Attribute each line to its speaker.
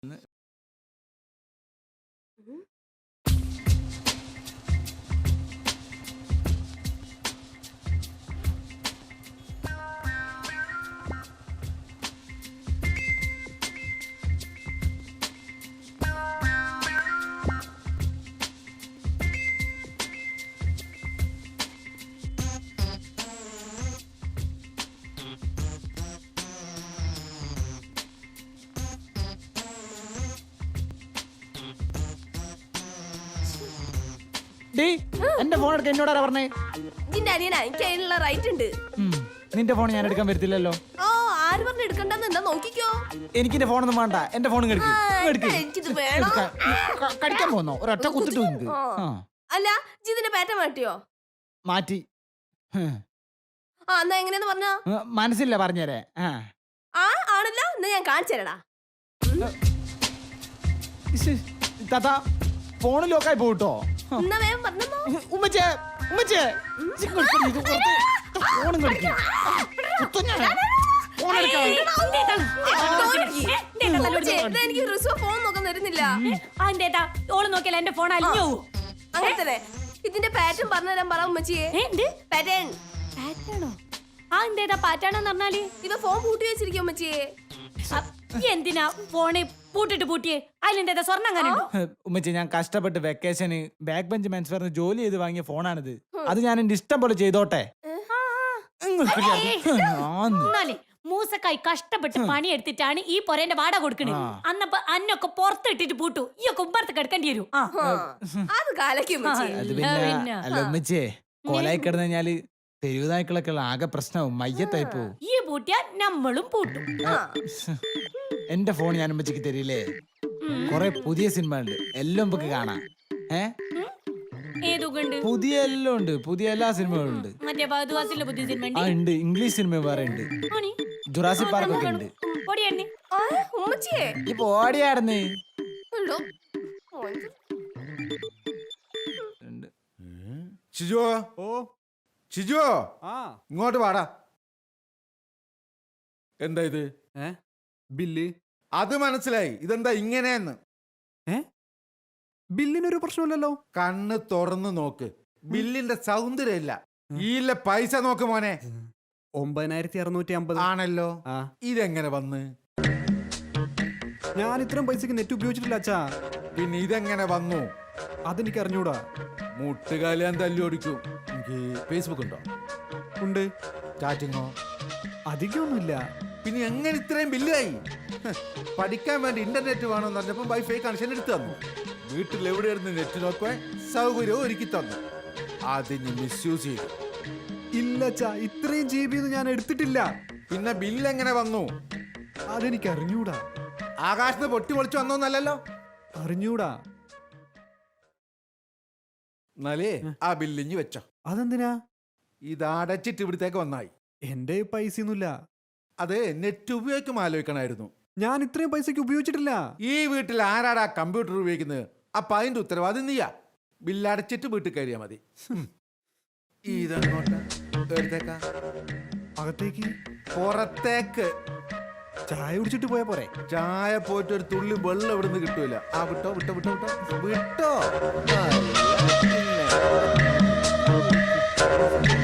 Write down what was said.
Speaker 1: എന്റെ ഫോൺ എടുക്കാൻ എന്നോടാ പറഞ്ഞേ?
Speaker 2: നിന്റെ അനിയനാ, എനിക്ക് അതിനുള്ള റൈറ്റ് ഉണ്ട്.
Speaker 1: നിന്റെ ഫോൺ ഞാൻ എടുക്കാൻ വരത്തില്ലല്ലോ.
Speaker 2: ഓ, ആര് പറഞ്ഞു എടുക്കണ്ടെന്ന്? എന്താ നോക്കിക്കോ.
Speaker 1: എനിക്ക് എന്റെ ഫോണൊന്നും വേണ്ട. എന്റെ ഫോൺ
Speaker 2: എനിക്കിത് വേണം.
Speaker 1: കടിക്കാൻ പോന്നോ? ഒരൊറ്റ കുത്തിട്ടു.
Speaker 2: അല്ല, ജിതിന്റെ പാറ്റ മാറ്റിയോ?
Speaker 1: മാറ്റി.
Speaker 2: എന്നാ എങ്ങനെയാന്ന് പറഞ്ഞോ?
Speaker 1: മനസ്സില്ല, പറഞ്ഞേരെ.
Speaker 2: ആണല്ലോ, എന്നാ ഞാൻ കാണിച്ചു തരടാ.
Speaker 1: താത്താ, ഫോണ് ലോക്കായി പോട്ടോ.
Speaker 2: എന്നാ വേഗം പറഞ്ഞോ.
Speaker 1: ഉമ്മച്ചേ, ഉമ്മച്ചേ, ഫോണും കളിക്കും.
Speaker 2: എനിക്ക് റിസോ ഫോൺ നോക്കാൻ തരുന്നില്ല.
Speaker 3: ഓള് നോക്കിയാൽ എന്റെ ഫോൺ അലിഞ്ഞു.
Speaker 2: അങ്ങനെ തന്നെ ഇതിന്റെ പാറ്റേൺ പറഞ്ഞുതരാൻ പറ ഉമ്മച്ചിയെ. പാറ്റേൺ
Speaker 3: പാറ്റാണെന്ന് പറഞ്ഞാല്
Speaker 2: ഇവ ഫോൺ പൂട്ടി വെച്ചിരിക്കും ഉമ്മച്ചിയെ.
Speaker 3: എന്തിനാ ഫോണ് പൂട്ടിട്ട് പൂട്ടിയേ? അതിലെന്താ സ്വർണ്ണം അങ്ങനെ?
Speaker 1: ഉമ്മച്ചി, ഞാൻ കഷ്ടപ്പെട്ട് വെക്കേഷന് ബാക്ക് ബെഞ്ച് മെൻസ് വെയറിന് ജോലി ചെയ്ത് വാങ്ങിയ ഫോണാണിത്. അത് ഞാൻ എന്റെ ഇഷ്ടം പോലെ ചെയ്തോട്ടെ.
Speaker 3: മൂസക്കായി കഷ്ടപ്പെട്ട് പണിയെടുത്തിട്ടാണ് ഈ പൊരേന്റെ വാടക കൊടുക്കണേ. അന്നപ്പോ അന്നൊക്കെ പുറത്തിട്ടിട്ട് പൂട്ടു. ഈ ഒക്കെ ഉമ്പറത്ത് കിടക്കേണ്ടി വരും.
Speaker 2: അത് കാലക്കും.
Speaker 1: അല്ല ഉമ്മച്ചിയെ, കോലായി കിടന്നു കഴിഞ്ഞാല് തെരുവുനായ്ക്കളൊക്കെ ആകെ പ്രശ്നവും, മയ്യത്തായി പോവും.
Speaker 3: ഈ പൂട്ടിയാ നമ്മളും പൂട്ടും.
Speaker 1: എന്റെ ഫോൺ ഞാൻ ഉമ്മച്ചിക്ക് തരില്ലേ? കൊറേ പുതിയ സിനിമ ഉണ്ട്, എല്ലാം നമുക്ക് കാണാം. പുതിയ എല്ലാം ഉണ്ട്, പുതിയ എല്ലാ സിനിമകളും ഉണ്ട്. ഉണ്ട്, ഇംഗ്ലീഷ് സിനിമ വേറെ ഉണ്ട്, ജുറാസിക് പാർക്ക് ഒക്കെ ഉണ്ട്. ഇപ്പൊ ഓടിയാടുന്നേ.
Speaker 4: ഷിജുവോ, ഷിജുവോ, ഇങ്ങോട്ട് വാടാ. എന്താ ഇത്?
Speaker 5: ബില്ല്.
Speaker 4: അത് മനസ്സിലായി. ഇതെന്താ ഇങ്ങനെയെന്ന്?
Speaker 5: ബില്ലിനൊരു പ്രശ്നമില്ലല്ലോ.
Speaker 4: കണ്ണ് തുറന്ന് നോക്ക്. ബില്ലിന്റെ സൗന്ദര്യമില്ല, ഈയിലെ പൈസ നോക്ക് മോനെ.
Speaker 5: 9650
Speaker 4: ആണല്ലോ. ഇതെങ്ങനെ വന്ന്?
Speaker 5: ഞാൻ ഇത്രയും പൈസക്ക് നെറ്റ് ഉപയോഗിച്ചിട്ടില്ല അച്ഛാ.
Speaker 4: പിന്നെ ഇതെങ്ങനെ വന്നു?
Speaker 5: അതെനിക്ക് അറിഞ്ഞൂടാ.
Speaker 4: മുട്ടുകാലി ഞാൻ തല്ലി ഓടിക്കും. എനിക്ക് ഫേസ്ബുക്ക് ഉണ്ടോ?
Speaker 5: ഉണ്ട്.
Speaker 4: ചാറ്റിങ്ങോ?
Speaker 5: അധികമൊന്നുമില്ല.
Speaker 4: പിന്നെ എങ്ങനെ ഇത്രയും ബില്ലായി? പഠിക്കാൻ വേണ്ടി ഇന്റർനെറ്റ് വേണമെന്ന് പറഞ്ഞപ്പോൾ വൈഫൈ കണക്ഷൻ എടുത്തു തന്നു. വീട്ടിൽ എവിടെയായിരുന്നു നെറ്റ് നോക്കുവാൻ സൗകര്യവും ഒരുക്കി തന്നു. അതിന് മിസ്യൂസ് ചെയ്തു.
Speaker 5: ഇല്ല അച്ഛാ, ഇത്രയും GB ഞാൻ എടുത്തിട്ടില്ല.
Speaker 4: പിന്നെ ബില്ല് എങ്ങനെ വന്നു?
Speaker 5: അതെനിക്ക് അറിഞ്ഞൂടാ.
Speaker 4: ആകാശത്ത് പൊട്ടി പൊളിച്ചു വന്നോന്നല്ലോ.
Speaker 5: അറിഞ്ഞൂടാ.
Speaker 4: എന്നാലേ ആ ബില്ലിഞ്ഞ് വെച്ചോ.
Speaker 5: അതെന്തിനാ?
Speaker 4: ഇത് അടച്ചിട്ട് ഇവിടത്തേക്ക് വന്നായി.
Speaker 5: എന്റെ പൈസ ഒന്നുമില്ല.
Speaker 4: അത് നെറ്റ് ഉപയോഗിക്കും ആലോചിക്കണമായിരുന്നു.
Speaker 5: ഞാൻ ഇത്രയും പൈസക്ക് ഉപയോഗിച്ചിട്ടില്ല.
Speaker 4: ഈ വീട്ടിൽ ആരാടാ കമ്പ്യൂട്ടർ ഉപയോഗിക്കുന്നത്? അപ്പൊ അതിന്റെ ഉത്തരവാദിത്വം നീയാ. ബില്ലടച്ചിട്ട് വീട്ടിൽ കയറിയാ മതി. ഇതങ്ങോട്ട് എടുത്തേക്കാ.
Speaker 5: അകത്തേക്ക്?
Speaker 4: പുറത്തേക്ക്.
Speaker 5: ചായ കുടിച്ചിട്ട് പോയാ പോരെ?
Speaker 4: ചായ പോയിട്ട് ഒരു തുള്ളി വെള്ളം ഇവിടുന്ന് കിട്ടൂല. വിട്ടോ വിട്ടോ വിട്ടോ വിട്ടോ വിട്ടോ.